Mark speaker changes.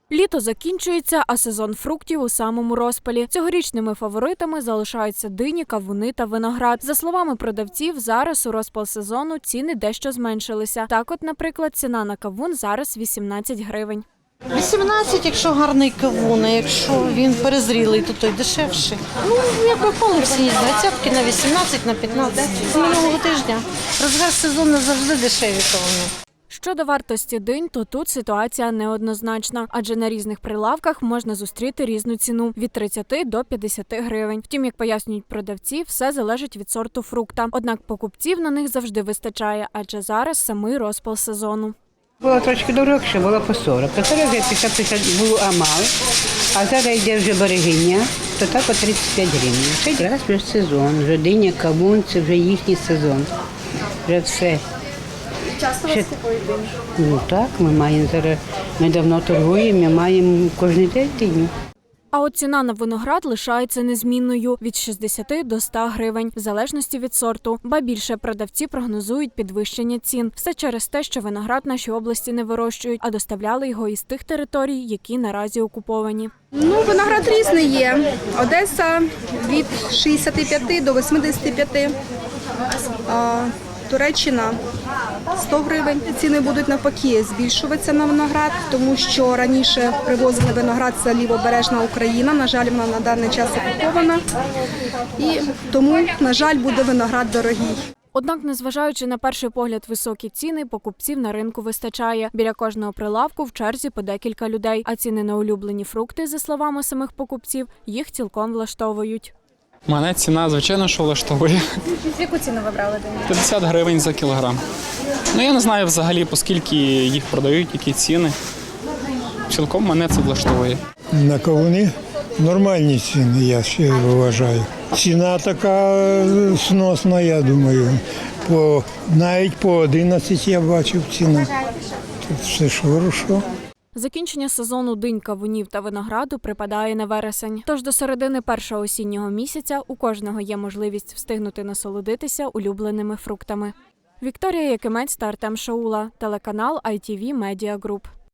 Speaker 1: Літо закінчується, а сезон фруктів у самому розпалі. Цьогорічними фаворитами залишаються дині, кавуни та виноград. За словами продавців, зараз у розпал сезону ціни дещо зменшилися. Так от, наприклад, ціна на кавун зараз 18 гривень.
Speaker 2: 18, якщо гарний кавун, а якщо він перезрілий, то той дешевший. Ну, як попали всі, з 20 на 18, на 15. З минулого тижня. Розгар сезону завжди дешеві кавуни.
Speaker 1: Щодо вартості динь, то тут ситуація неоднозначна, адже на різних прилавках можна зустріти різну ціну – від 30 до 50 гривень. Втім, як пояснюють продавці, все залежить від сорту фрукта. Однак покупців на них завжди вистачає, адже зараз самий розпал сезону.
Speaker 3: Було трошки дорогше, було по 40. А зараз 50-50 було амал, а зараз йде вже берегиня, то так по 35 гривень. Ще раз вже сезон, вже диня, кавун, це вже їхній сезон. Вже все.
Speaker 1: Часто вас купують диню?
Speaker 3: Ну так, ми маємо зараз, ми давно торгуємо, ми маємо кожен день диню.
Speaker 1: А от ціна на виноград лишається незмінною – від 60 до 100 гривень, в залежності від сорту. Ба більше, продавці прогнозують підвищення цін. Все через те, що виноград в нашій області не вирощують, а доставляли його із тих територій, які наразі окуповані.
Speaker 4: Ну, виноград різний є. Одеса від 65 до 85. Туреччина 100 гривень. Ціни будуть навпаки збільшуватися на виноград, тому що раніше привозили виноград з Лівобережна Україна. На жаль, вона на даний час окупована. І тому, на жаль, буде виноград дорогий.
Speaker 1: Однак, незважаючи на перший погляд високі ціни, покупців на ринку вистачає. Біля кожного прилавку в черзі по декілька людей, а ціни на улюблені фрукти, за словами самих покупців, їх цілком влаштовують.
Speaker 5: Мене ціна, звичайно, що влаштовує.
Speaker 1: Яку ціну ви брали дині?
Speaker 5: 50 гривень за кілограм. Ну, я не знаю взагалі, по скільки їх продають, які ціни. Цілком мене це влаштовує.
Speaker 6: На кавуни нормальні ціни, я ще вважаю. Ціна така сносна, я думаю. Навіть по 11 я бачив ціну. Тут все ж хорошо.
Speaker 1: Закінчення сезону динь, кавунів та винограду припадає на вересень. Тож до середини першого осіннього місяця у кожного є можливість встигнути насолодитися улюбленими фруктами. Вікторія Якимець та Артем Шаула, телеканал ITV Media Group.